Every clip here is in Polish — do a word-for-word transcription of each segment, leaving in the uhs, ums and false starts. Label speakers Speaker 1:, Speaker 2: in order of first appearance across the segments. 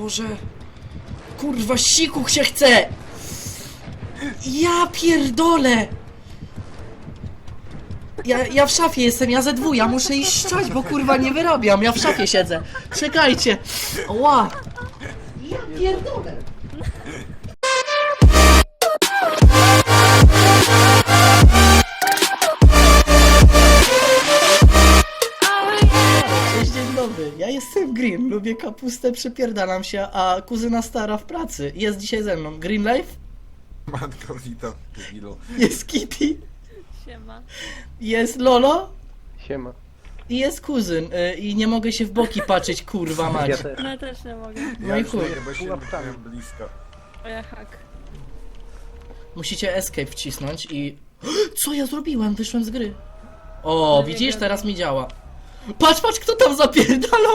Speaker 1: Boże. Kurwa, siku się chce! Ja pierdolę! Ja, ja w szafie jestem, ja ze dwu, ja muszę iść szczać, bo kurwa nie wyrabiam, ja w szafie siedzę. Czekajcie. Ła! Ja pierdolę! Cześć, dzień dobry. Ja jestem Green, lubię kapustę, przypierdalam się, a kuzyna stara w pracy. Jest dzisiaj ze mną Green Life,
Speaker 2: Matko, witam, debilu.
Speaker 1: jest Kitty,
Speaker 3: Siema.
Speaker 1: jest Lolo
Speaker 4: Siema.
Speaker 1: i jest kuzyn. Y, I nie mogę się w boki patrzeć, kurwa mać.
Speaker 4: Ja też.
Speaker 3: No ja też nie mogę.
Speaker 1: No
Speaker 2: Ja
Speaker 1: i
Speaker 2: już
Speaker 1: chuj.
Speaker 2: nie, bo się nie byłem blisko.
Speaker 3: O ja hak.
Speaker 1: Musicie escape wcisnąć i... Co ja zrobiłem? Wyszłem z gry. O,
Speaker 3: No nie
Speaker 1: widzisz?
Speaker 3: wiadomo.
Speaker 1: Teraz mi działa. Patrz, patrz, kto tam zapierdalał.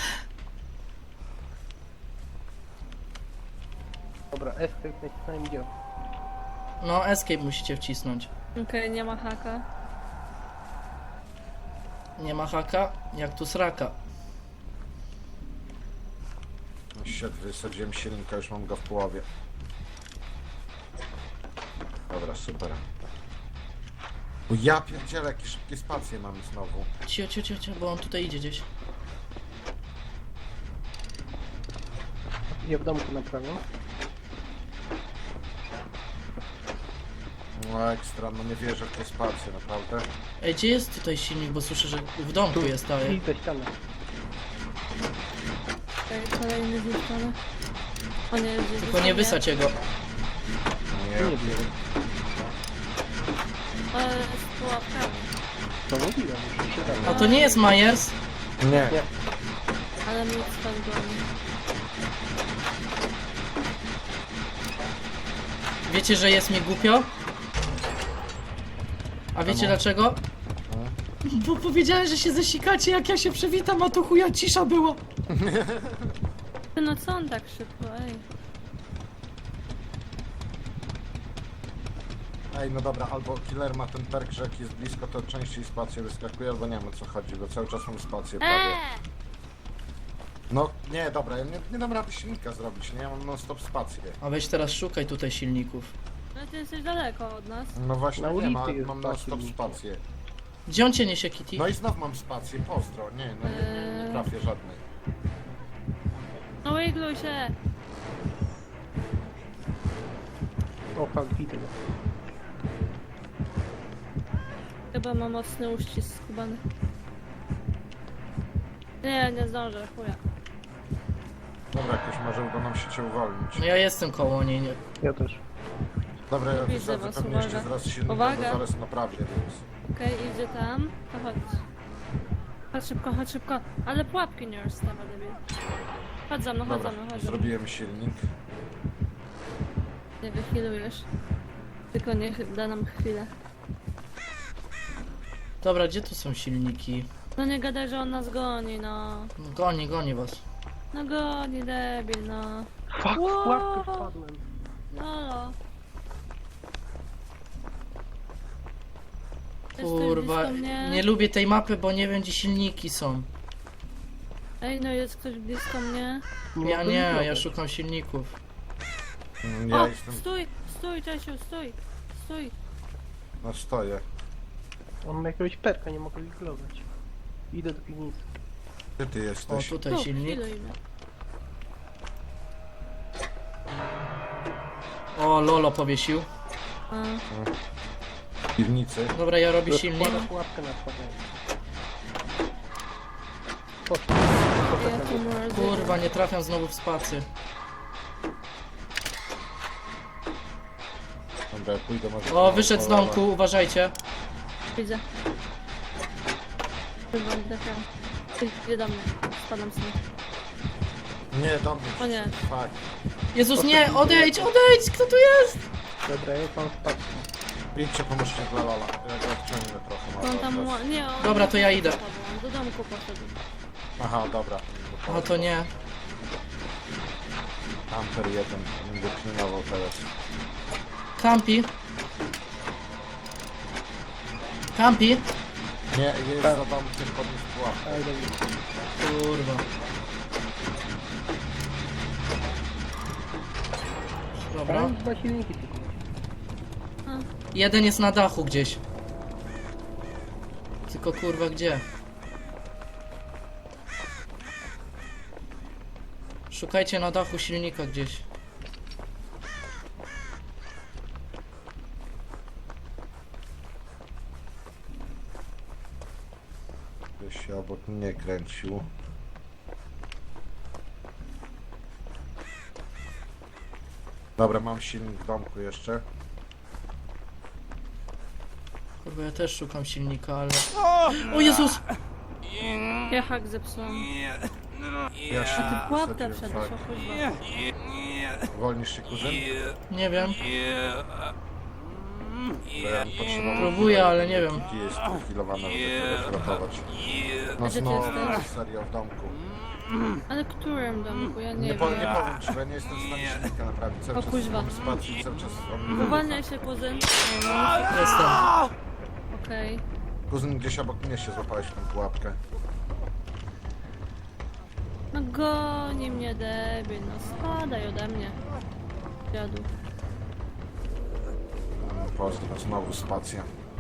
Speaker 4: Dobra, escape nacisnąłem działa.
Speaker 1: No, escape musicie wcisnąć.
Speaker 3: Okej, nie ma haka.
Speaker 1: Nie ma haka, jak tu sraka.
Speaker 2: Shit, wysadziłem silnika, już mam go w połowie. Dobra, super. O ja pierdzielę, jakie szybkie spacje mamy znowu.
Speaker 1: Cio, cio, cio, cio, bo on tutaj idzie gdzieś.
Speaker 4: Ja w domku naprawiam.
Speaker 2: No ekstra, no nie wierzę w te spacje, naprawdę.
Speaker 1: Ej, gdzie jest tutaj silnik, bo słyszę, że w domku jest, ale...
Speaker 4: I te ściany.
Speaker 3: Okej, kolejny zniszczony. O nie, jest
Speaker 1: Tylko nie wysadź jego.
Speaker 2: Nie,
Speaker 4: Nie wiem.
Speaker 3: Ale z pułapkami.
Speaker 4: To mówiłem, że się da.
Speaker 1: A to nie jest Myers?
Speaker 2: nie.
Speaker 4: Nie.
Speaker 3: Ale mi stąd goni.
Speaker 1: Wiecie, że jest mi głupio? A wiecie
Speaker 2: Czemu?
Speaker 1: dlaczego? Bo powiedziałem, że się zasikacie, jak ja się przywitam, a tu chuja cisza była.
Speaker 3: Ty, no co on tak szybko, ej.
Speaker 2: Ej, no dobra, albo killer ma ten perk, że jak jest blisko, to częściej spacje wyskakuje, albo nie wiem o co chodzi, bo cały czas mam spację prawie.
Speaker 3: Eee!
Speaker 2: No nie, dobra, ja nie, nie dam rady silnika zrobić, nie? Ja mam non stop spację.
Speaker 1: A weź teraz szukaj tutaj silników.
Speaker 3: No ty jesteś daleko od nas.
Speaker 2: No właśnie
Speaker 4: Na
Speaker 2: nie
Speaker 4: ulicy
Speaker 2: ma,
Speaker 4: jest
Speaker 2: mam non
Speaker 4: dwa
Speaker 2: stop
Speaker 4: silniki.
Speaker 2: spację.
Speaker 1: Gdzie on cię niesie, Kitty?
Speaker 2: No i znów mam spację, pozdro, nie, no nie, nie, nie trafię żadnej.
Speaker 3: No wigluj się!
Speaker 4: O, fuck, widzę go.
Speaker 3: Chyba ma mocny uścisk skubany. Nie, nie zdążę, chuja.
Speaker 2: Dobra, jakoś może uda nam się cię uwolnić.
Speaker 1: No ja jestem koło niej, nie?
Speaker 4: Ja też.
Speaker 2: Dobra, ja
Speaker 3: Widzę
Speaker 2: wysadzę
Speaker 3: was,
Speaker 2: pewnie jeszcze
Speaker 3: uwaga.
Speaker 2: zaraz silnika, bo
Speaker 3: Uwaga.
Speaker 2: zaraz naprawię, więc...
Speaker 3: Okej, idzie tam. To chodź. Chodź szybko, chodź szybko. Ale pułapki nie rozstawa, debil. Chodź za mną, chodź
Speaker 2: Dobra,
Speaker 3: za mną, chodź za mną.
Speaker 2: zrobiłem silnik.
Speaker 3: Nie wychilujesz. Tylko niech da nam chwilę.
Speaker 1: Dobra, gdzie tu są silniki?
Speaker 3: No nie gadaj, że on nas goni, no.
Speaker 1: No, goni, goni was.
Speaker 3: No goni, debil, no.
Speaker 4: Fuck,
Speaker 3: Wow.
Speaker 4: w pułapkę wpadłem.
Speaker 3: Lolo. Jesteś
Speaker 1: Kurwa,
Speaker 3: blisko mnie?
Speaker 1: nie lubię tej mapy, bo nie wiem, gdzie silniki są.
Speaker 3: Ej, no jest ktoś blisko mnie.
Speaker 1: Ja
Speaker 4: mogę
Speaker 1: nie, ja
Speaker 4: wyblokować.
Speaker 1: szukam silników.
Speaker 2: Mm, Ja
Speaker 3: O,
Speaker 2: jestem...
Speaker 3: stój, stój, Czesiu, stój. Stój.
Speaker 2: No stoję.
Speaker 4: On ma jakiegoś perka, nie mogę wiglować. Idę do piwnicy.
Speaker 2: Gdzie ty
Speaker 1: O,
Speaker 2: jesteś?
Speaker 1: tutaj
Speaker 3: Tu,
Speaker 1: silnik.
Speaker 3: chwiluj mnie.
Speaker 1: O, Lolo powiesił.
Speaker 3: A,
Speaker 2: W piwnicy.
Speaker 1: Dobra, ja robię silnik.
Speaker 4: Rozkłada pułapkę na wpadanie. Poszło.
Speaker 3: ja tu może...
Speaker 1: Kurwa, nie trafiam znowu w spacy.
Speaker 2: Dobra, ja pójdę może...
Speaker 1: O, wyszedł z domku, uważajcie.
Speaker 3: Widzę. Chyba nie trafiam. Ty, idzie do mnie. Spadam stąd.
Speaker 2: Nie, do mnie.
Speaker 3: O nie.
Speaker 2: Fuck.
Speaker 1: Jezus, nie, odejdź, odejdź, kto tu jest?
Speaker 4: Dobra, ja mam spację.
Speaker 2: Idźcie, pomóżcie dla Lola. Ja go odciągnę trochę.
Speaker 3: On
Speaker 2: może
Speaker 3: tam...
Speaker 2: od was.
Speaker 3: ła- Nie, on...
Speaker 1: Dobra, to ja idę.
Speaker 3: On do domku poszedł.
Speaker 2: Aha, dobra.
Speaker 1: No to nie.
Speaker 2: Amper jeden. Będę pilnował teraz.
Speaker 1: Kampi. Kampi.
Speaker 2: Nie, jest za domkiem podnieść pułapkę.
Speaker 4: Ale dobra.
Speaker 1: Kurwa. Dobra.
Speaker 4: Tam dwa silniki tylko.
Speaker 1: Jeden jest na dachu gdzieś. Tylko kurwa gdzie? Szukajcie na dachu silnika gdzieś.
Speaker 2: Ktoś się obok mnie kręcił. Dobra, mam silnik w domku jeszcze.
Speaker 1: Kurwa, ja też szukam silnika, ale... O Jezus!
Speaker 3: Ja hak zepsułam.
Speaker 2: Ja się
Speaker 3: Ty pułapkę
Speaker 2: wsadziłem,
Speaker 3: wszedłeś,
Speaker 2: tak.
Speaker 3: o kuźwa.
Speaker 2: Wolnisz się, kuzyn?
Speaker 1: Nie wiem.
Speaker 2: Bo ja bym potrzebował-
Speaker 1: Próbuję, ale nie wiem.
Speaker 2: Gdzie jest healowana, żeby tego uratować. No
Speaker 3: A gdzie ty
Speaker 2: znowu
Speaker 3: jesteś?
Speaker 2: serio w domku.
Speaker 3: Ale którym domku? Ja
Speaker 2: Nie,
Speaker 3: nie
Speaker 2: po, nie
Speaker 3: wiem.
Speaker 2: powiem ci, bo ja nie jestem w stanie silnika naprawić. Cały
Speaker 3: O
Speaker 2: czas
Speaker 3: kuźwa.
Speaker 2: mam spację, cały czas on mi
Speaker 3: Uwalniaj się, kuzyn.
Speaker 1: Jestem.
Speaker 3: Okej.
Speaker 2: Kuzyn, gdzieś obok mnie się złapałeś w tą pułapkę.
Speaker 3: No goni mnie debil, no spadaj ode mnie. Dziadu.
Speaker 2: Mm, Pozdro, znowu spacja.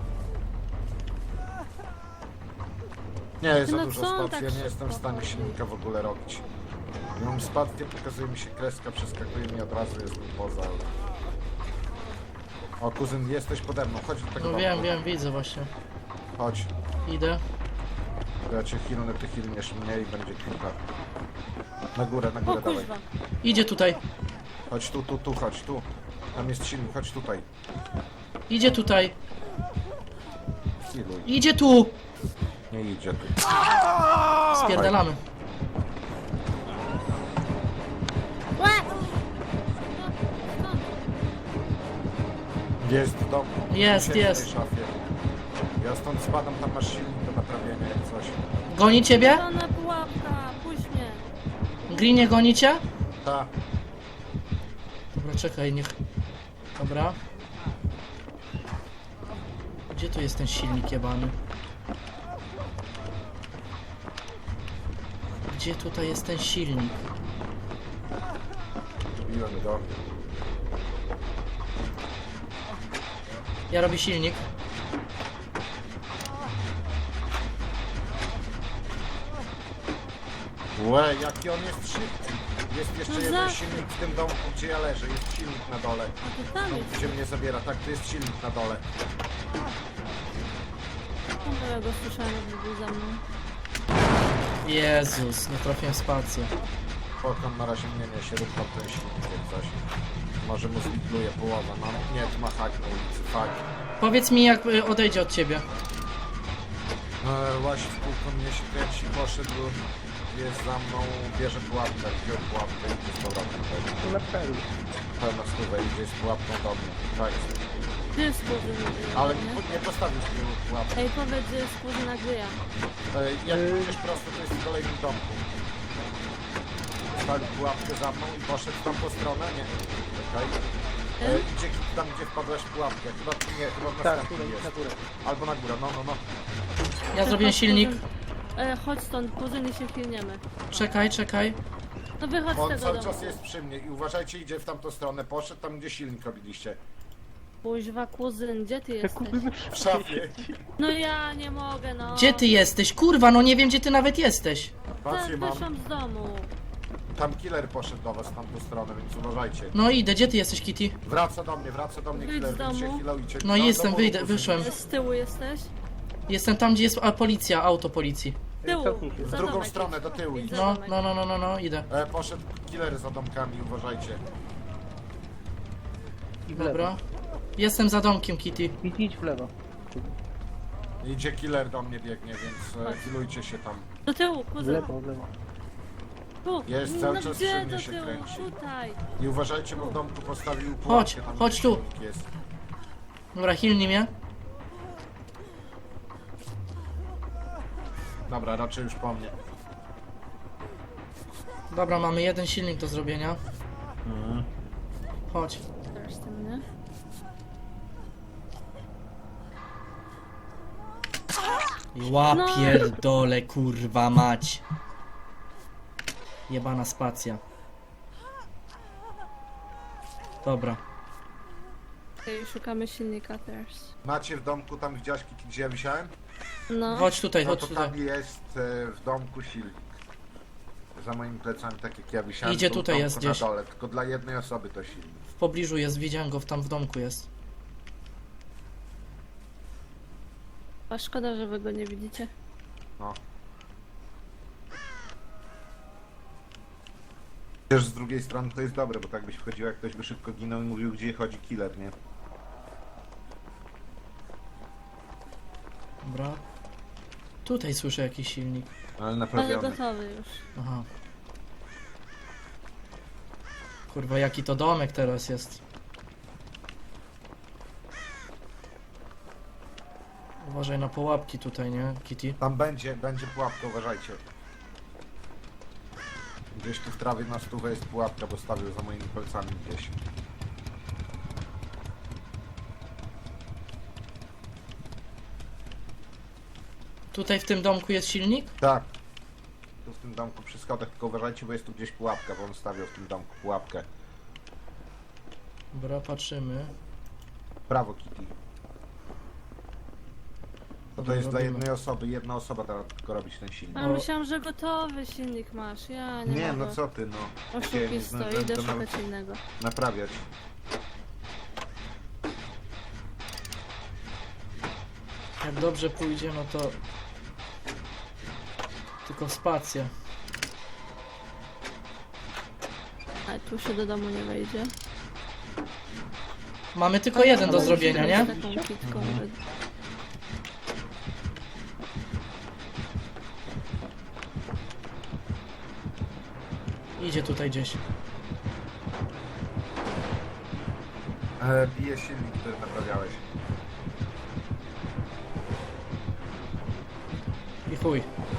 Speaker 2: Nie, jest za
Speaker 3: No
Speaker 2: dużo
Speaker 3: co on
Speaker 2: spacji,
Speaker 3: tak
Speaker 2: ja nie jestem w
Speaker 3: szybko
Speaker 2: stanie
Speaker 3: chodzi?
Speaker 2: silnika w ogóle robić. Ja mam spację, pokazuje mi się kreska, przeskakuje mi od razu, jestem poza. O, kuzyn, jesteś pode mną, chodź do tego
Speaker 1: No
Speaker 2: domku.
Speaker 1: wiem, wiem, widzę właśnie.
Speaker 2: Chodź,
Speaker 1: Idę.
Speaker 2: ja cię hilnę, ty hilniesz mnie i będzie kilka. Na górę, na
Speaker 3: O
Speaker 2: górę, dawaj.
Speaker 3: kuźwa.
Speaker 1: Idzie tutaj.
Speaker 2: Chodź tu, tu, tu, chodź tu. Tam jest silnik, chodź tutaj.
Speaker 1: Idzie tutaj.
Speaker 2: Healuj.
Speaker 1: Idzie tu!
Speaker 2: Nie idzie tu.
Speaker 1: Spierdalamy.
Speaker 3: Łe! Skąd?
Speaker 2: Jest w domu.
Speaker 1: Jest,
Speaker 2: Siedź w tej
Speaker 1: jest.
Speaker 2: szafie. Ja stąd spadam, tam masz silnik do naprawienia jak coś.
Speaker 1: Goni ciebie?
Speaker 3: Zielona pułapka, puść mnie.
Speaker 1: Grinie goni cię?
Speaker 2: Ta,
Speaker 1: Dobra, czekaj, niech... Dobra. Gdzie tu jest ten silnik jebany? Gdzie tutaj jest ten silnik?
Speaker 2: zbiłem go.
Speaker 1: Ja robię silnik.
Speaker 2: Łe, jaki on jest szybki. Jest jeszcze
Speaker 3: No
Speaker 2: jeden
Speaker 3: za-
Speaker 2: silnik w tym domku, gdzie ja leżę. Jest silnik na dole.
Speaker 3: A ty tam jest.
Speaker 2: Gdzie mnie zabiera. Tak, tu jest silnik na dole.
Speaker 3: No ja go słyszałem, jakby był za mną.
Speaker 1: Jezus, nie trafiłem w spację.
Speaker 2: Pokon na razie mnie niesie, rób tam ten silnik jak coś. Może mu zlikwiduje połowę. No nie, tu ma hak na ulicy, fuck.
Speaker 1: Powiedz mi, jak y, odejdzie od ciebie.
Speaker 2: E, Łazi w kółko, mnie się kręci, poszedł. Jest za mną, bierze pułapkę, wziął pułapkę i z powrotem chodzi.
Speaker 4: To na pewno.
Speaker 2: Pełna stówę idzie z pułapką do mnie. Tak.
Speaker 3: Gdzie jest kuzyn?
Speaker 2: Ale
Speaker 3: nie?
Speaker 2: nie, nie postawił z tyłu pułapki.
Speaker 3: Ej, powiedz, gdzie jest kuzyn Agryja.
Speaker 2: E, Jak idziesz prosto, to jest w kolejnym domku. Postawił pułapkę za mną i poszedł tam po stronę, nie. Czekaj. E, idzie tam, gdzie wpadłaś w pułapkę. Chyba nie, chyba w
Speaker 4: Tak,
Speaker 2: następnym
Speaker 4: tutaj,
Speaker 2: jest.
Speaker 4: na górę.
Speaker 2: Albo na górę, no, no, no.
Speaker 1: Ja zrobiłem
Speaker 3: Chodź,
Speaker 1: silnik.
Speaker 3: kuzyn. E, chodź stąd, kuzyn i się chwilniemy.
Speaker 1: Czekaj, czekaj.
Speaker 3: No wychodź z
Speaker 2: On
Speaker 3: tego
Speaker 2: cały
Speaker 3: domu.
Speaker 2: czas jest przy mnie i uważajcie, idzie w tamtą stronę. Poszedł tam, gdzie silnik robiliście.
Speaker 3: Kuźwa, kuzyn, gdzie ty jesteś?
Speaker 4: Kuzyn
Speaker 2: W szafie.
Speaker 3: No ja nie mogę, no.
Speaker 1: Gdzie ty jesteś? Kurwa, no nie wiem, gdzie ty nawet jesteś.
Speaker 2: Spację
Speaker 3: Tak,
Speaker 2: mam.
Speaker 3: wyszłam z domu.
Speaker 2: Tam killer poszedł do was w tamtą stronę, więc uważajcie.
Speaker 1: No idę, gdzie ty jesteś, Kitty?
Speaker 2: Wraca do mnie, wraca do mnie
Speaker 3: Wyjdź
Speaker 2: killer,
Speaker 3: z
Speaker 2: więc się
Speaker 3: domu.
Speaker 2: healujcie.
Speaker 1: No jestem, wyjdę, wyszłem.
Speaker 3: Z tyłu jesteś?
Speaker 1: Jestem tam, gdzie jest a, policja, auto policji.
Speaker 3: Z tyłu.
Speaker 4: Cofnij się.
Speaker 2: W
Speaker 3: Za
Speaker 2: drugą
Speaker 3: domek
Speaker 2: stronę,
Speaker 3: idź.
Speaker 2: do tyłu
Speaker 3: Idź
Speaker 2: idź.
Speaker 3: za
Speaker 1: No,
Speaker 3: domek.
Speaker 1: no, no, no, no, no, idę.
Speaker 2: E, poszedł killer za domkami, uważajcie.
Speaker 4: I w lewo.
Speaker 1: Dobra. Jestem za domkiem, Kitty.
Speaker 4: Idź, idź w lewo.
Speaker 2: Idzie killer do mnie biegnie, więc e,
Speaker 3: Chodź.
Speaker 2: healujcie się tam.
Speaker 3: Do tyłu,
Speaker 4: W
Speaker 3: kuzyn.
Speaker 4: lewo, w lewo.
Speaker 3: Tu.
Speaker 2: Jest cały
Speaker 3: no
Speaker 2: czas
Speaker 3: gdzie
Speaker 2: przy mnie
Speaker 3: do
Speaker 2: się
Speaker 3: tyłu?
Speaker 2: kręci.
Speaker 3: Tutaj.
Speaker 2: I uważajcie, bo w domku postawił pułapkę.
Speaker 1: Chodź,
Speaker 2: tam,
Speaker 1: chodź
Speaker 2: gdzie
Speaker 1: tu.
Speaker 2: silnik Jest.
Speaker 1: Dobra, hilnij mnie.
Speaker 2: Dobra, raczej już po mnie.
Speaker 1: Dobra, mamy jeden silnik do zrobienia. Chodź.
Speaker 3: Teraz ty mnie.
Speaker 1: Ła pierdole, kurwa mać. Jebana spacja. Dobra.
Speaker 3: Okej, szukamy silnika teraz.
Speaker 2: Macie w domku, tam widziałeś, gdzie ja wisiałem?
Speaker 3: No.
Speaker 1: Chodź tutaj,
Speaker 2: No
Speaker 1: chodź
Speaker 2: to
Speaker 1: tutaj.
Speaker 2: tam jest e, w domku silnik. Za moimi plecami, tak jak ja wisiałem.
Speaker 1: Idzie
Speaker 2: był w
Speaker 1: tutaj,
Speaker 2: domku
Speaker 1: jest
Speaker 2: na
Speaker 1: gdzieś.
Speaker 2: dole, tylko dla jednej osoby to silnik.
Speaker 1: W pobliżu jest, widziałem go, tam w domku jest.
Speaker 3: A szkoda, że wy go nie widzicie.
Speaker 2: No. Też z drugiej strony to jest dobre, bo tak byś wchodził, jak ktoś by szybko ginął i mówił, gdzie chodzi killer, nie?
Speaker 1: Dobra. Tutaj słyszę jakiś silnik.
Speaker 2: Ale
Speaker 3: Ale
Speaker 2: naprawiony.
Speaker 3: gotowy już.
Speaker 1: Aha. Kurwa, jaki to domek teraz jest. Uważaj na pułapki tutaj, nie, Kitty?
Speaker 2: Tam będzie, będzie pułapka, uważajcie. Gdzieś tu w trawie na stówę jest pułapka, bo stawił za moimi palcami gdzieś.
Speaker 1: Tutaj w tym domku jest silnik?
Speaker 2: Tak. Tu w tym domku przy schodach, tylko uważajcie, bo jest tu gdzieś pułapka, bo on stawiał w tym domku pułapkę.
Speaker 1: Dobra, patrzymy.
Speaker 2: Prawo, Kitty. To, to
Speaker 1: Dobra,
Speaker 2: jest dla
Speaker 1: robimy.
Speaker 2: jednej osoby, jedna osoba da tylko robić ten silnik.
Speaker 3: A myślałam, że gotowy silnik masz. Ja nie,
Speaker 2: Nie,
Speaker 3: mogę.
Speaker 2: no co ty, no. Nie, nie
Speaker 3: Oszukisto,
Speaker 2: zdążyłem
Speaker 3: idę
Speaker 2: to
Speaker 3: szukać
Speaker 2: nawet
Speaker 3: innego.
Speaker 2: naprawiać.
Speaker 1: Jak dobrze pójdzie, no to... Tylko spacja.
Speaker 3: A tu się do domu nie wejdzie.
Speaker 1: Mamy tylko jeden do
Speaker 3: Ale
Speaker 1: zrobienia,
Speaker 3: z
Speaker 1: nie?
Speaker 3: taką kitką.
Speaker 2: Mhm.
Speaker 1: Idzie tutaj gdzieś.
Speaker 2: E, bije silnik, który naprawiałeś.
Speaker 1: I chuj.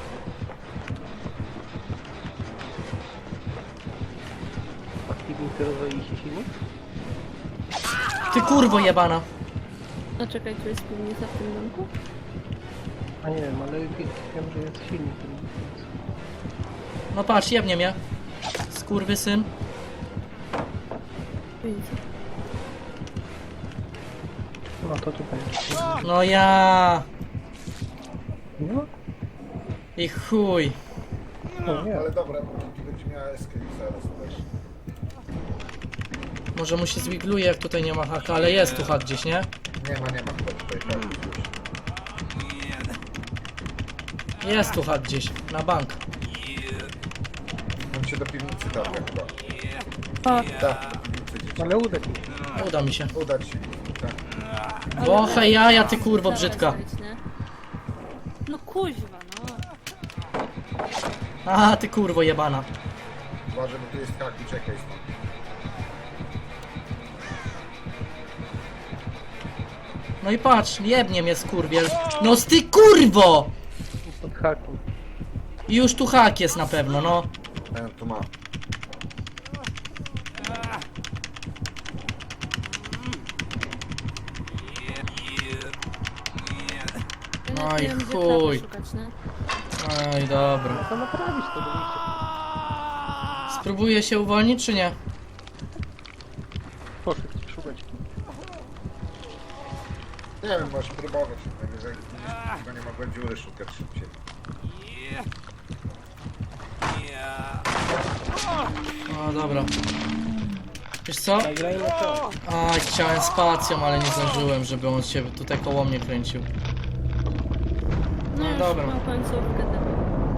Speaker 4: Aktywnicy rozwaliliście silnik?
Speaker 1: Ty kurwo jebana.
Speaker 3: No czekaj, tu jest piwnica w tym domku?
Speaker 4: A nie wiem, ale wie- wiem, że jest silnik. w tym domku.
Speaker 1: No patrz, jebnie mnie. Skurwysyn.
Speaker 3: Piwnica.
Speaker 4: No to tutaj.
Speaker 1: No ja.
Speaker 4: No,
Speaker 1: I chuj.
Speaker 4: no nie.
Speaker 2: Ale dobra, bo Kitty będzie miała escape zaraz też.
Speaker 1: Może mu się zwigluje, jak tutaj nie ma haka, ale jest tu hak gdzieś, nie?
Speaker 2: Nie ma, nie ma chyba tutaj tak już.
Speaker 1: Jest tu hak gdzieś, na bank.
Speaker 2: On się do piwnicy targa chyba.
Speaker 3: O,
Speaker 2: Tak, do piwnicy gdzieś.
Speaker 4: Ale uda ci.
Speaker 1: Uda mi się.
Speaker 2: Udać się. Tak.
Speaker 1: Bochę jaja, ty kurwo
Speaker 3: Dawaj,
Speaker 1: brzydka.
Speaker 3: zejdź, nie? No kuźwa, no.
Speaker 1: A, ty kurwo jebana.
Speaker 2: Uważaj, bo tu jest hak, uciekaj stąd.
Speaker 1: No i patrz, jebnie mnie skurwiel. No z ty kurwo!
Speaker 4: Pod hakiem.
Speaker 1: I już tu hak jest na pewno, no.
Speaker 2: Ten tu ma.
Speaker 3: Ja
Speaker 1: No
Speaker 3: nawet
Speaker 1: i
Speaker 3: nie wiem, gdzie
Speaker 1: chuj.
Speaker 3: klapy szukać, nie?
Speaker 1: Oj, dobra.
Speaker 4: To naprawić to do wyjścia.
Speaker 1: Spróbuję się uwolnić, czy nie?
Speaker 4: Poszedł szukać.
Speaker 2: Nie wiem, możesz próbować. Najwyżej tylko nie mogłem dziury szukać szybciej.
Speaker 1: O, dobra. Wiesz co?
Speaker 4: Nagrajmy to.
Speaker 1: Aj, chciałem spacją, ale nie zdążyłem, żeby on się tutaj koło mnie kręcił.
Speaker 3: No
Speaker 1: No
Speaker 3: już
Speaker 1: dobra.
Speaker 3: mam końcówkę tego.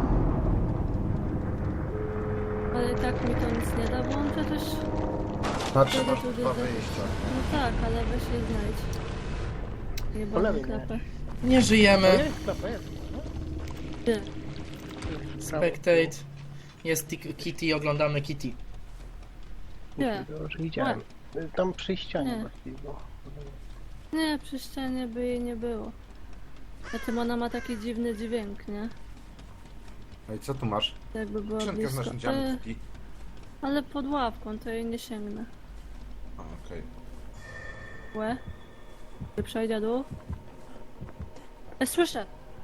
Speaker 3: Ale i tak mi to nic nie da, bo on przecież...
Speaker 2: Znaczy
Speaker 3: Kiedy
Speaker 2: masz
Speaker 3: tu
Speaker 2: dwa
Speaker 3: widzę?
Speaker 2: wyjścia.
Speaker 3: No tak, ale weź je znajdź.
Speaker 4: Po
Speaker 3: Jebana
Speaker 4: lewej
Speaker 3: klapę.
Speaker 1: Nie
Speaker 4: To
Speaker 1: żyjemy.
Speaker 4: jest klapa, jest. No.
Speaker 3: Gdzie?
Speaker 1: Spectate. Jest Ti- Kitty, oglądamy Kitty.
Speaker 3: Gdzie?
Speaker 4: To już widziałem. Tam przy ścianie
Speaker 3: Nie.
Speaker 4: właściwie było.
Speaker 3: Nie, przy ścianie by jej nie było. A tym ona ma taki dziwny dźwięk, nie?
Speaker 2: No i co tu masz?
Speaker 3: Jakby była
Speaker 2: Skrzynkę z
Speaker 3: blisko.
Speaker 2: narzędziami
Speaker 3: E,
Speaker 2: Kitty.
Speaker 3: ale pod ławką, to jej nie sięgnę.
Speaker 2: A, okej.
Speaker 3: Łe. Ty przejdzie dół. E, słyszę!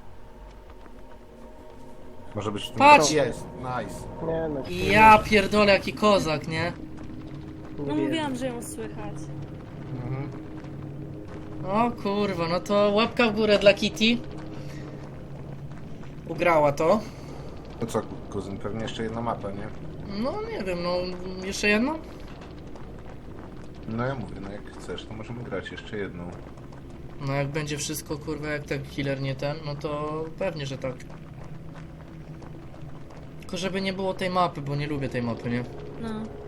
Speaker 2: Może być w tym...
Speaker 1: Patrz!
Speaker 2: Jest, nice.
Speaker 4: Nie no.
Speaker 1: Ja pierdolę, jaki kozak, nie?
Speaker 4: Nie
Speaker 3: No
Speaker 4: wiem.
Speaker 3: mówiłam, że ją słychać.
Speaker 2: Mhm.
Speaker 1: O kurwa, no to łapka w górę dla Kitty. Ugrała to.
Speaker 2: To co, kuzyn, pewnie jeszcze jedna mapa, nie?
Speaker 1: No nie wiem, no jeszcze jedno?
Speaker 2: No ja mówię, no jak chcesz, to możemy grać jeszcze jedną.
Speaker 1: No jak będzie wszystko kurwa jak ten killer nie ten, no to pewnie, że tak. Tylko żeby nie było tej mapy, bo nie lubię tej mapy, nie?
Speaker 3: No.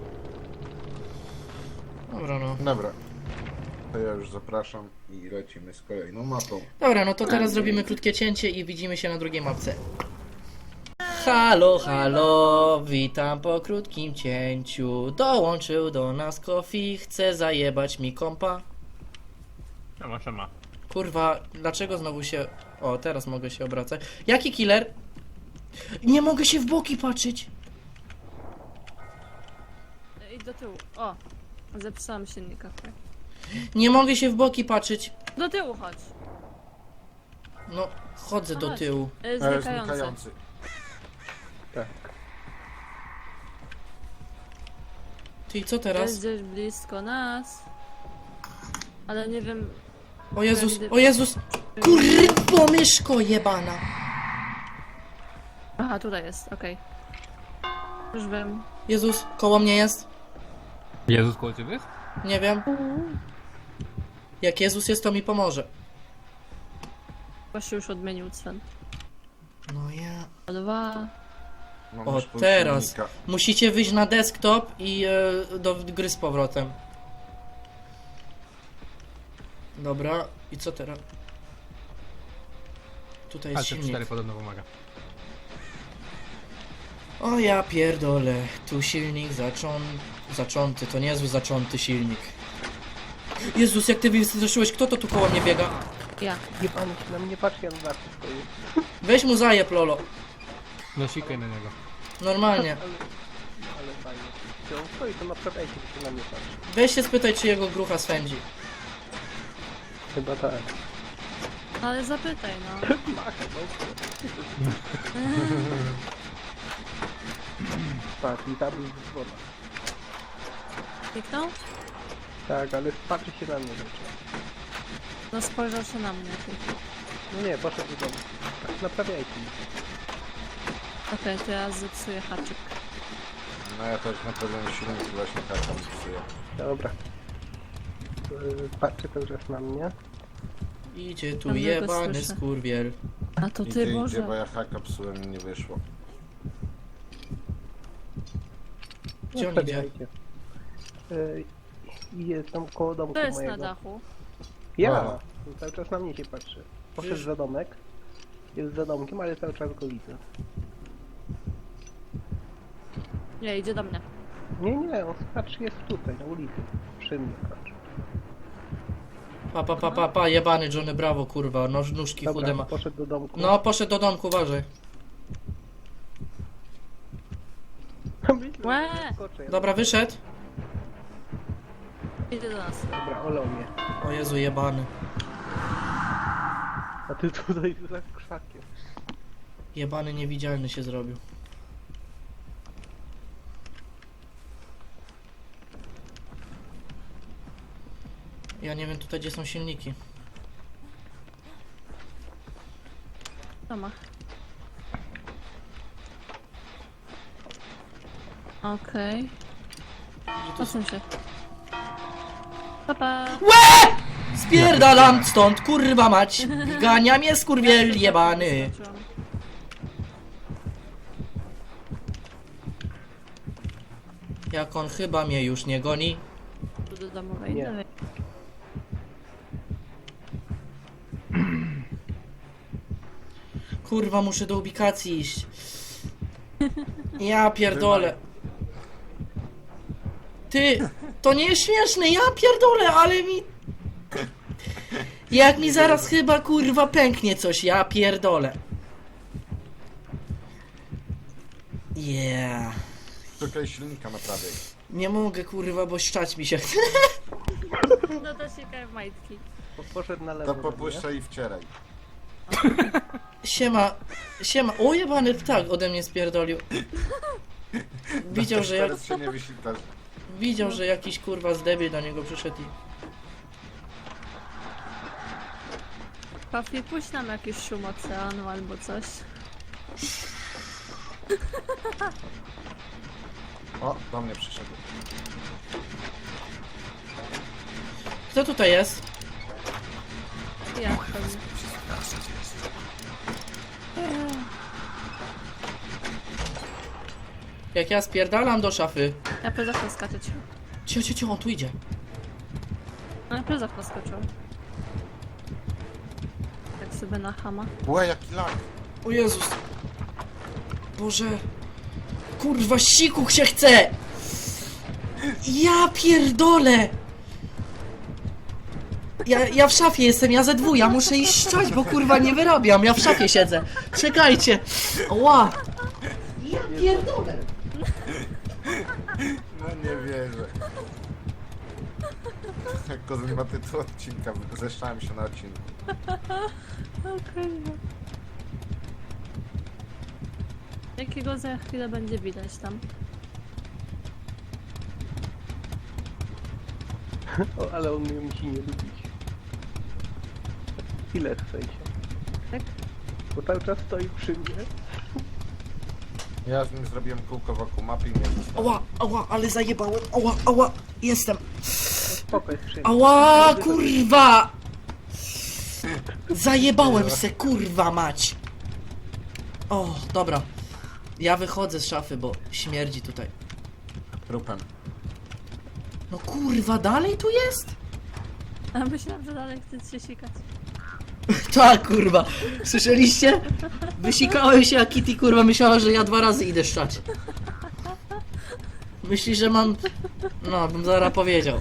Speaker 1: Dobra no.
Speaker 2: Dobra. To ja już zapraszam i lecimy z kolejną mapą.
Speaker 1: Dobra, no to teraz zrobimy krótkie cięcie i widzimy się na drugiej mapce. Halo, halo, witam po krótkim cięciu. Dołączył do nas Kofi, chce zajebać mi kompa.
Speaker 5: Siema, siema.
Speaker 1: Kurwa, dlaczego znowu się... O, teraz mogę się obracać. Jaki killer? Nie mogę się w boki patrzeć.
Speaker 3: Idź do tyłu. O! Zepsułam silnika. tak.
Speaker 1: Nie mogę się w boki patrzeć.
Speaker 3: Do tyłu chodź.
Speaker 1: No, chodzę do
Speaker 3: Chodź.
Speaker 1: tyłu.
Speaker 3: Y,
Speaker 2: E,
Speaker 3: Znikający.
Speaker 2: znikający.
Speaker 4: Tak.
Speaker 1: Ty, co
Speaker 3: Jest
Speaker 1: teraz?
Speaker 3: gdzieś blisko nas. Ale nie wiem...
Speaker 1: O Jezus, o Jezus! Kurwa, myszko jebana!
Speaker 3: Aha, tutaj jest, okej. Już wiem.
Speaker 1: Jezus, koło mnie jest?
Speaker 5: Jezus koło ciebie jest?
Speaker 1: Nie wiem. Jak Jezus jest, to mi pomoże.
Speaker 3: Właśnie już odmienił Sven.
Speaker 1: No ja...
Speaker 3: Dwa.
Speaker 2: No,
Speaker 1: O,
Speaker 2: masz pół
Speaker 1: teraz.
Speaker 2: silnika.
Speaker 1: Musicie wyjść na desktop i e, do gry z powrotem. Dobra, i co teraz? Tutaj
Speaker 5: A
Speaker 1: jest
Speaker 5: C
Speaker 1: silnik.
Speaker 5: cztery podobno pomaga.
Speaker 1: O ja pierdolę, tu silnik zaczą... zacząty, to niezły zacząty silnik. Jezus, jak ty wystraszyłeś, kto to tu koło mnie biega?
Speaker 3: Ja.
Speaker 4: Nie pan się na mnie patrzy, ja na zawsze stoję.
Speaker 1: Weź mu zajeb, Lolo.
Speaker 5: No sikaj na niego.
Speaker 1: Normalnie.
Speaker 4: Ale, ale fajnie. Gdzie on stoi, to naprawiajcie, że się na mnie patrzy.
Speaker 1: Weź się spytaj, czy jego grucha swędzi.
Speaker 4: Chyba tak.
Speaker 3: Ale zapytaj, no.
Speaker 4: Macha, no. Patrz, i tam jest woda.
Speaker 3: Kliknął?
Speaker 4: Tak, ale patrzy się na mnie rzeczy.
Speaker 3: No spojrzał się na mnie.
Speaker 4: No nie, poszedł do domu. Tak, naprawiajcie mi.
Speaker 3: Okej, to ja zepsuję haczyk.
Speaker 2: No ja też naprawdę silnik właśnie kartą psuję.
Speaker 4: Dobra. Yy, Patrzy cały czas na mnie.
Speaker 1: Idzie tu
Speaker 3: Dobrze, to
Speaker 1: jebany
Speaker 3: słyszę.
Speaker 1: skurwiel.
Speaker 3: A to
Speaker 2: I
Speaker 3: ty,
Speaker 2: ty idzie,
Speaker 3: Boże.
Speaker 2: bo ja haka psułem i nie wyszło.
Speaker 1: Gdzie on idzie?
Speaker 4: Naprawiajcie. Yy, I jest tam koło domku
Speaker 3: To jest
Speaker 4: mojego.
Speaker 3: na dachu.
Speaker 4: Ja!
Speaker 2: A.
Speaker 4: On cały czas na mnie się patrzy. Poszedł
Speaker 1: Wiesz-
Speaker 4: za domek. Jest za domkiem, ale cały czas go widzę.
Speaker 3: Nie, idzie do mnie.
Speaker 4: Nie, nie, on patrzy, jest tutaj, na ulicy. Przy mnie patrzy.
Speaker 1: Pa, pa, pa, pa, pa, jebany Johnny Bravo, kurwa, noż, nóżki chude
Speaker 4: Dobra,
Speaker 1: ma.
Speaker 4: poszedł do domku.
Speaker 1: No, poszedł do domku, uważaj.
Speaker 4: Myślę,
Speaker 3: Łe!
Speaker 4: że skoczę, ja-
Speaker 1: Dobra, wyszedł.
Speaker 3: Idzie do nas.
Speaker 4: Dobra, olał mnie.
Speaker 1: O Jezu, jebany.
Speaker 4: A ty tutaj za krzakiem.
Speaker 1: Jebany niewidzialny się zrobił. Ja nie wiem tutaj, gdzie są silniki.
Speaker 3: Tomach. Okej. Posuń się. Papa.
Speaker 1: Spierdalam stąd, kurwa mać! Gania mnie skurwiel jebany! Jak on chyba mnie już nie goni.
Speaker 3: Tu do domowej.
Speaker 4: Nie.
Speaker 3: Dawaj.
Speaker 1: Kurwa, muszę do ubikacji iść. Ja pierdolę. Ty, to nie jest śmieszne, ja pierdolę, ale mi... Jak mi zaraz chyba kurwa pęknie coś, ja pierdolę. Yeah.
Speaker 2: Szukaj silnika naprawiaj.
Speaker 1: Nie mogę kurwa, bo szczać mi się chce.
Speaker 3: No to się w majtki.
Speaker 4: Po, poszedł na lewo.
Speaker 2: To
Speaker 4: do mnie.
Speaker 2: popuszczaj i wcieraj.
Speaker 1: Siema, siema, o jebany ptak ode mnie spierdolił. Widział, że jak...
Speaker 2: Teraz się nie wysiltasz.
Speaker 1: Widział, że jakiś kurwa zdebil do niego przyszedł i...
Speaker 3: Papi, puść nam jakiś szum oceanu albo coś.
Speaker 2: O, do mnie przyszedł.
Speaker 1: Kto tutaj jest?
Speaker 3: Ja pewnie.
Speaker 1: Jak ja spierdalam do szafy.
Speaker 3: Ja przez okno skaczę cię.
Speaker 1: Cio, cio, cio, on tu idzie.
Speaker 3: No ja przez okno skoczyłam. Tak sobie na chama.
Speaker 2: Łe, jaki lag.
Speaker 1: O Jezus. Boże. Kurwa, siku się chce! Ja pierdolę! Ja, ja w szafie jestem, ja ze dwu, ja muszę iść szczać, bo kurwa nie wyrabiam, ja w szafie siedzę. Czekajcie. Ła! Ja pierdolę!
Speaker 2: No nie wierzę. Jak Kozły ma tytuł odcinka, zeszczałem się na odcinku.
Speaker 3: Okej. Jakiego za chwilę będzie widać tam?
Speaker 4: O, ale on mnie musi nie lubić. Ile w sensie?
Speaker 3: Tak?
Speaker 4: Bo cały czas stoi przy mnie.
Speaker 2: Ja z nim zrobiłem kółko wokół mapy i mnie zostawił.
Speaker 1: Ała, ała, ale zajebałem, ała, ała, jestem.
Speaker 4: Spoko, jest przy mnie.
Speaker 1: Ała, kurwa! Zajebałem se, kurwa mać. O, dobra. Ja wychodzę z szafy, bo śmierdzi tutaj.
Speaker 2: Trupem.
Speaker 1: No kurwa, dalej tu jest?
Speaker 3: A myślałam, że dalej chcesz się sikać.
Speaker 1: Tak, kurwa. Słyszeliście? Wysikałem się, a Kitty, kurwa, myślała, że ja dwa razy idę szczać. Myśli, że mam... No, bym zaraz powiedział.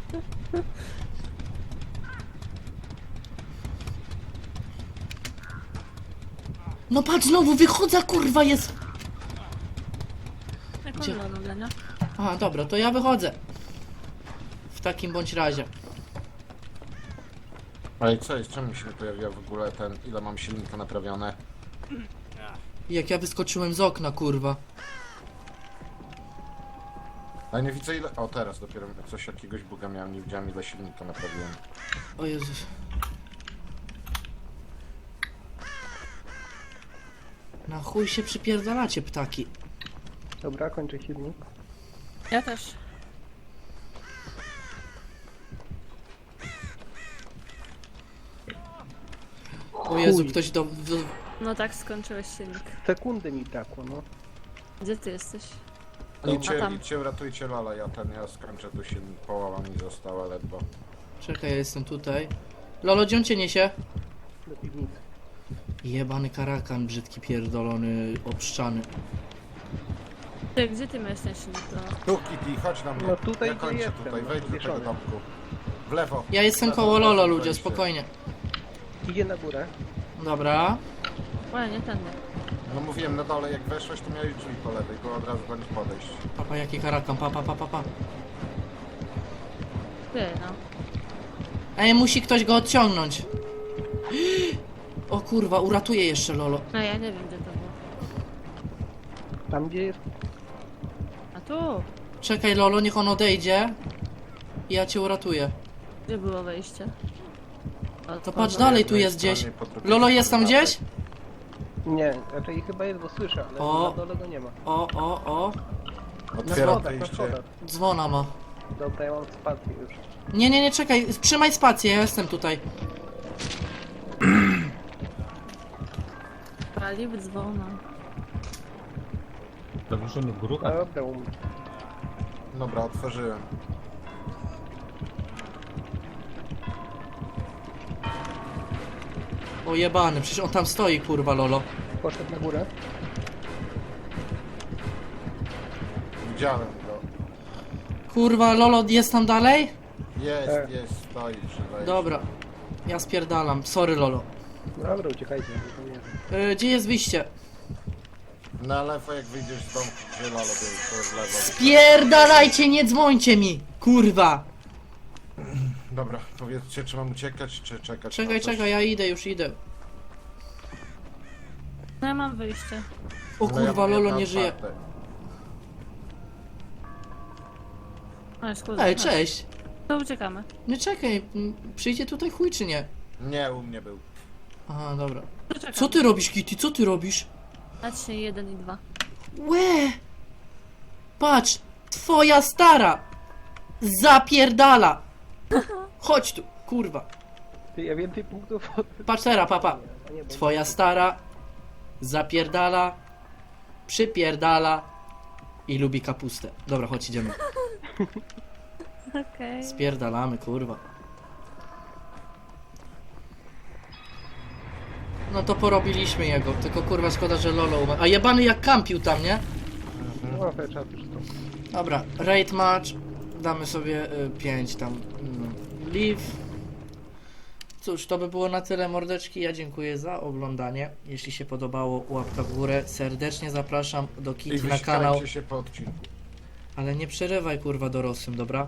Speaker 1: No patrz, znowu wychodzę, kurwa, jest...
Speaker 3: Jak
Speaker 1: Gdzie?
Speaker 3: on robi, nie?
Speaker 1: Aha, dobra, to ja wychodzę. W takim bądź razie.
Speaker 2: Ale co jest? Czemu mi się nie pojawiła w ogóle ten, ile mam silnika naprawione?
Speaker 1: Jak ja wyskoczyłem z okna, kurwa.
Speaker 2: Ale nie widzę ile... O, teraz dopiero coś jakiegoś buga miałem, nie widziałem ile silnika naprawiłem.
Speaker 1: O Jezus. Na chuj się przypierdalacie, ptaki.
Speaker 4: Dobra, kończę silnik.
Speaker 3: Ja też.
Speaker 1: O Jezu,
Speaker 4: Chuj.
Speaker 1: ktoś do... do...
Speaker 3: No tak, skończyłeś silnik.
Speaker 4: Sekundy mi brakło, no.
Speaker 3: Gdzie ty jesteś?
Speaker 2: Idźcie,
Speaker 3: A tam.
Speaker 2: idźcie, ratujcie Lala, ja ten, ja skończę tu silnik, połowa mi została ledwo.
Speaker 1: Czekaj, ja jestem tutaj. Lolo, gdzie on cię niesie?
Speaker 4: Do piwnicy.
Speaker 1: Jebany karakan, brzydki, pierdolony, obszczany.
Speaker 3: Ty, gdzie ty masz ten silnik? No.
Speaker 2: Tu Kitty, chodź na mnie.
Speaker 4: No tutaj,
Speaker 2: ja
Speaker 4: gdzie
Speaker 2: kończę
Speaker 4: jestem,
Speaker 2: tutaj,
Speaker 4: no,
Speaker 2: wejdź do tego
Speaker 4: wieszony.
Speaker 2: domku. W lewo.
Speaker 1: Ja jestem
Speaker 2: W lewo,
Speaker 1: koło
Speaker 2: w lewo,
Speaker 1: Lolo, ludzie,
Speaker 2: wejdźcie.
Speaker 1: spokojnie.
Speaker 4: Idzie na górę.
Speaker 1: Dobra.
Speaker 3: Ale nie tędy.
Speaker 2: No mówiłem na dole, jak weszłeś, to miałeś drzwi po lewej, było od razu do nich podejść.
Speaker 1: Papa, jaki karakan, pa, pa, pa, pa, pa.
Speaker 3: Ty, no.
Speaker 1: Ej, musi ktoś go odciągnąć. O kurwa, uratuję jeszcze Lolo.
Speaker 3: No ja nie wiem, gdzie to było.
Speaker 4: Tam gdzie jest.
Speaker 3: A tu?
Speaker 1: Czekaj Lolo, niech on odejdzie. I ja cię uratuję.
Speaker 3: Gdzie było wejście? O,
Speaker 1: To
Speaker 3: o,
Speaker 1: patrz
Speaker 3: no.
Speaker 1: dalej, tu
Speaker 2: jednej
Speaker 1: jest gdzieś.
Speaker 2: stronie, po drugiej
Speaker 1: Lolo,
Speaker 2: stronie
Speaker 1: jest tam
Speaker 2: mapy.
Speaker 1: gdzieś?
Speaker 4: Nie, raczej chyba jest, bo słyszę, ale
Speaker 1: O.
Speaker 4: na dole go nie ma.
Speaker 1: O, o, o.
Speaker 4: Na
Speaker 2: Otwieram
Speaker 4: schodach, na
Speaker 2: wyjście.
Speaker 4: schodach.
Speaker 1: Dzwona ma.
Speaker 4: Dobra, ja mam spację już.
Speaker 1: Nie, nie, nie, czekaj, trzymaj spację, ja jestem tutaj.
Speaker 3: Pali w dzwona.
Speaker 5: Zawieszony w górach?
Speaker 4: Dobra, um.
Speaker 2: Dobra, otworzyłem.
Speaker 1: O jebany, przecież on tam stoi, kurwa Lolo.
Speaker 4: Poszedł na górę.
Speaker 2: Widziałem go.
Speaker 1: Kurwa, Lolo, jest tam dalej?
Speaker 2: Jest,
Speaker 4: Tak.
Speaker 2: jest, stoi przy wejściu.
Speaker 1: Dobra. Ja spierdalam, sorry Lolo.
Speaker 4: Dobra, uciekajcie. to nie.
Speaker 1: Yy, gdzie jest wyjście?
Speaker 2: Na lewo jak wyjdziesz z domku, gdzie Lalo był, to w lewo.
Speaker 1: Spierdalajcie, nie dzwońcie mi! Kurwa!
Speaker 2: Dobra, powiedzcie, czy mam uciekać, czy czekać
Speaker 1: Czekaj,
Speaker 2: na coś?
Speaker 1: czekaj, ja idę, już idę.
Speaker 3: No ja mam wyjście.
Speaker 1: O
Speaker 2: No ja
Speaker 1: kurwa,
Speaker 2: mam
Speaker 1: Lolo
Speaker 2: jedno
Speaker 1: nie żyje.
Speaker 2: otwarte.
Speaker 3: A, jest kuzyn.
Speaker 1: Ej,
Speaker 3: Chodź.
Speaker 1: cześć.
Speaker 3: To uciekamy.
Speaker 1: Nie czekaj, m, przyjdzie tutaj chuj czy nie?
Speaker 2: Nie, u mnie był.
Speaker 1: Aha, dobra.
Speaker 3: To czekamy.
Speaker 1: Co ty robisz, Kitty? Co ty robisz?
Speaker 3: Dać się jeden i dwa.
Speaker 1: Łe! Patrz! Twoja stara! Zapierdala! Chodź tu, kurwa.
Speaker 4: Ty, ja więcej punktów od...
Speaker 1: Patrz teraz, papa.
Speaker 4: A nie, bo-
Speaker 1: Twoja stara zapierdala, przypierdala i lubi kapustę. Dobra, chodź, idziemy.
Speaker 3: Okej.
Speaker 1: Spierdalamy, kurwa. No to porobiliśmy jego, tylko kurwa szkoda, że Lolo umarł. A jebany jak kampił tam, nie?
Speaker 4: No, to trzeba też to.
Speaker 1: Dobra, raid match. Damy sobie pięć tam. Mm, leave. Cóż, to by było na tyle, mordeczki. Ja dziękuję za oglądanie. Jeśli się podobało, łapka w górę. Serdecznie zapraszam do
Speaker 2: I
Speaker 1: Kitty na kanał.
Speaker 2: wysikajcie się po odcinku.
Speaker 1: Ale nie przerywaj kurwa dorosłym, dobra?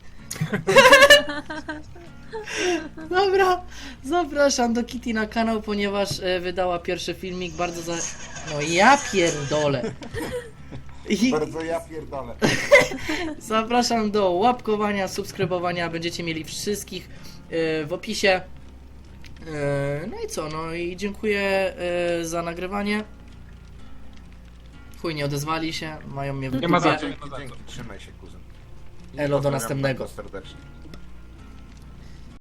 Speaker 1: Dobra, zapraszam do Kitty na kanał, ponieważ e, wydała pierwszy filmik. Bardzo za... No ja pierdolę. I
Speaker 2: Bardzo ja pierdolę.
Speaker 1: zapraszam do łapkowania, subskrybowania. Będziecie mieli wszystkich e, w opisie. E, no i co, no i dziękuję e, za nagrywanie. Chuj, nie odezwali się, mają mnie w
Speaker 5: Nie ma za
Speaker 1: dupie.
Speaker 5: co.
Speaker 2: Dzięki, trzymaj się, kuzyn. I
Speaker 1: Elo, do
Speaker 2: pozdrawiam
Speaker 1: następnego.
Speaker 2: bardzo serdecznie.